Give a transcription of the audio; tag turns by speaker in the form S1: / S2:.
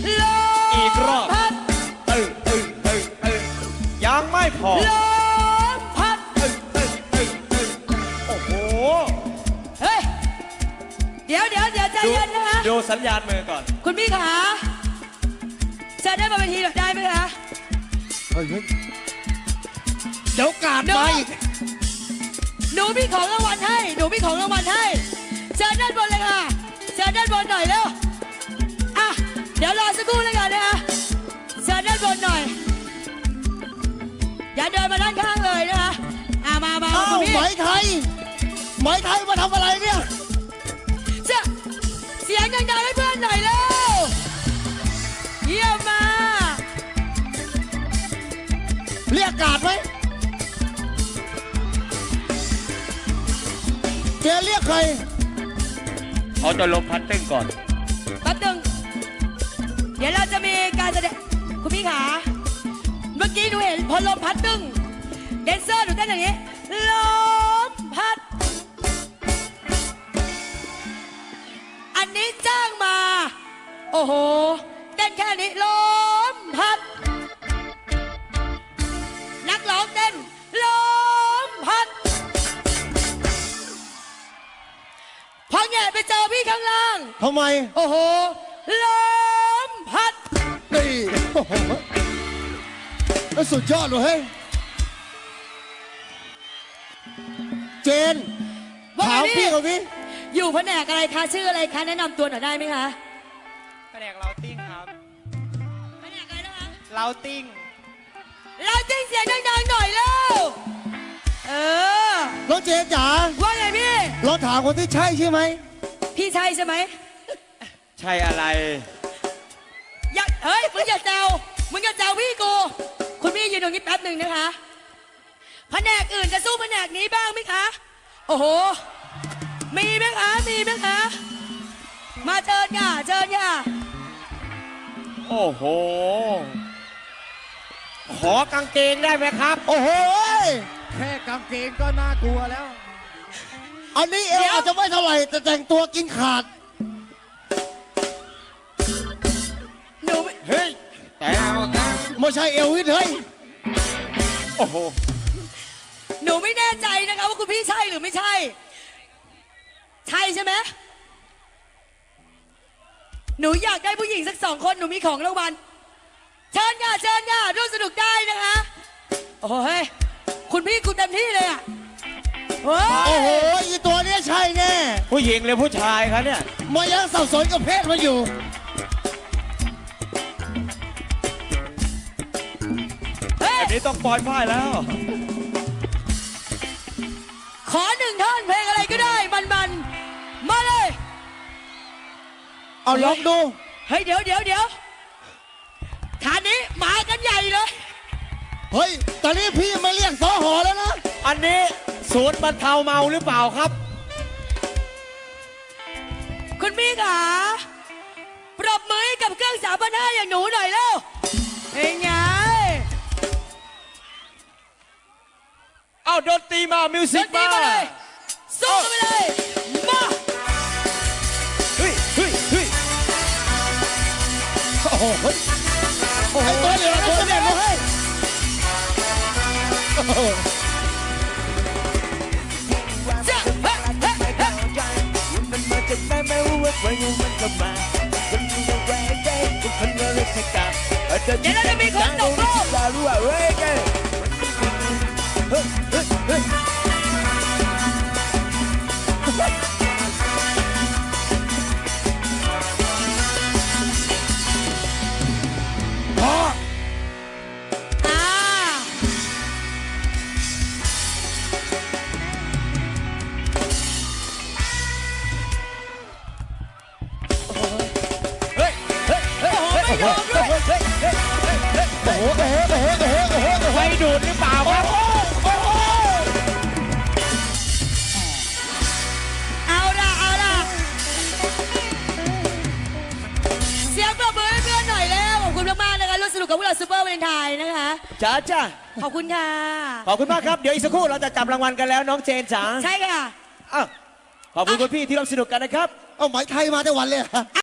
S1: ลม
S2: อีกรอบ
S1: พัด
S2: ยังไม่พอ
S1: ลมพัด
S2: โอ้โห
S1: เฮ้ยเดี๋ยวใจเย็นนะคะ
S2: ดูสัญญาณมือก่อน
S1: คุณพี่ขาจะได้มาเป็นทีได้ไหมคะ
S3: เฮ้ยเดี๋ยวกาดมาอีก
S1: หนูมีของรางวัลให้เชิญด้านบนเลยค่ะเชิญด้านบนหน่อยเร็วอ่ะเดี๋ยวรอสักครู่แล้วกันนะคะเชิญด้านบนหน่อยอย่าเดินมาด้านข้างเลยนะคะมา
S3: อ้าว
S1: คุณพี่
S3: ไหมไทยมาทำอะไรเนี่ย
S1: เสียงดังๆให้เพื่อนหน่อยเร็วเยี่ยมมาก
S3: เรียกกาดไหมเจเรียกใคร
S2: เขาจะลมพัดตึ้งก่อน
S1: แป๊บนึงเดี๋ยวเราจะมีการแสดงคุณพี่ขาเมื่อกี้หนูเห็นพอลมพัดตึ้งแดนเซอร์หนูเต้นอย่างนี้ลมพัดอันนี้จ้างมาโอ้โหเต้นแค่นี้ลมพัดนักร้องเต้นลมพัดพอแงะไปเจอพี่ข้างล่าง
S3: ทำไม
S1: โอ้โหลมพัด
S3: นี่โอ้โหแล้วสุดยอดเลยเฮ้ยเจนถามพี่เขาพี่
S1: อยู่แผนกอะไรคะชื่ออะไรคะแนะนำตัวหน่อยได้ไหมคะ
S4: แผนกเราติ้งครับ
S1: แผนกอะไรนะคะ
S4: เราติ้ง
S1: เราจิ้งเสียงดังๆหน่อยเร็วเออ
S3: น้องเจนจ๋า
S1: ว่าไงพี่
S3: เราถามคนที่ใช่ใช่ไหม
S1: พี่ใช่ใช่ไหม
S2: ใช่อะไร
S1: อย่าเฮ้ยมึงอย่าแซวพี่กูคุณพี่ยืนตรงนี้แป๊บหนึ่งนะคะแผนกอื่นจะสู้แผนกนี้บ้างไหมคะโอ้โหมีไหมคะมาเชิญค่ะ
S2: โอ้โห ขอกางเกงได้ไหมครับ
S3: โอ้โห
S4: แค่กางเกงก็น่ากลัวแล้ว
S3: อันนี้เอวอาจจะไม่เท่าไหร่แต่แต่งตัวกินขาด
S1: หนู
S2: เฮ้ย แต่เอาครับ
S3: ไม่ใช่เอลวิสเฮ้ย
S2: โอ้โห
S1: หนูไม่แน่ใจนะคะว่าคุณพี่ใช่หรือไม่ใช่ ใช่ใช่ไหมหนูอยากได้ผู้หญิงสัก2 คนหนูมีของรางวัลเชิญค่ะร่วมสนุกได้นะคะ โอ้ยคุณพี่คุณเต็มที่เลยอ่ะโอ้
S3: โอ้โห
S1: ย
S3: อีตัวเนี้ยใช่แน่
S2: ผู้หญิงหรือผู้ชายครับเนี่ย
S3: มายังสับสนกับเพศมาอยู่
S1: เฮ้ย
S2: อันนี้ต้องปล่อยป้ายแล้ว
S1: ขอ1 ท่อนเพลงอะไรก็ได้มันมาเลย
S3: เอาลองดู
S1: เฮ้ยเดี๋ยวฐานนี้มากันใหญ่เลย
S3: เฮ้ย ตอนนี้พี่มาเรียกสอหอแล้วนะ
S2: อันนี้ศูนย์บรรเทาเมาหรือเปล่าครับ
S1: คุณพี่ขาปรบมือให้กับเครื่อง3,500อย่างหนูหน่อยเร็วเป็นไง
S2: เอาดนตรีมา มิว
S1: ด
S2: สิก
S1: นตรี
S2: มา
S1: มาเลยสู้กันไปเลยมา
S2: เฮ้ย
S3: โอ้โหเฮ้ยไอ้ตัวเหลือตัวเนี่ยมาให้โอ้โห
S1: จ้ะเฮ้ย
S2: มันมาจากไหนไม่รู้ว่าใครมันก็มาคนที่จะแรงใจทุกคนก็เลยสกัด
S1: เดี๋ยวเราจะมีคนตกรอบ
S2: จะรู้ว่าเว้ยแกเฮ้ย
S3: พอ
S1: อ่า
S2: เฮ้ย
S1: ไม่ยอมด้วย
S3: โอ้โหโอ้โหโอ้โหโอ้โหโอ้โห
S2: ไฟดูดหรือเปล่าครับ
S1: เอาล่ะเสียงปรบมือให้เพื่อนหน่อยแล้วขอบคุณมากๆนะคะร่วมสนุกกับพวกเราซูเปอร์วาเลนไทน์นะคะ
S2: จ้า
S1: ขอบคุณค่ะ
S2: ขอบคุณมากครับ เดี๋ยวอีกสักครู่เราจะจับรางวัลกันแล้วน้องเจนจ๋า
S1: ใช่ค่ะ
S2: อ้าวขอบคุณคุณพี่ที่ร่วมสนุกกันนะครับ
S3: เอาไหมไทยมาแต่วันเลยเหรอ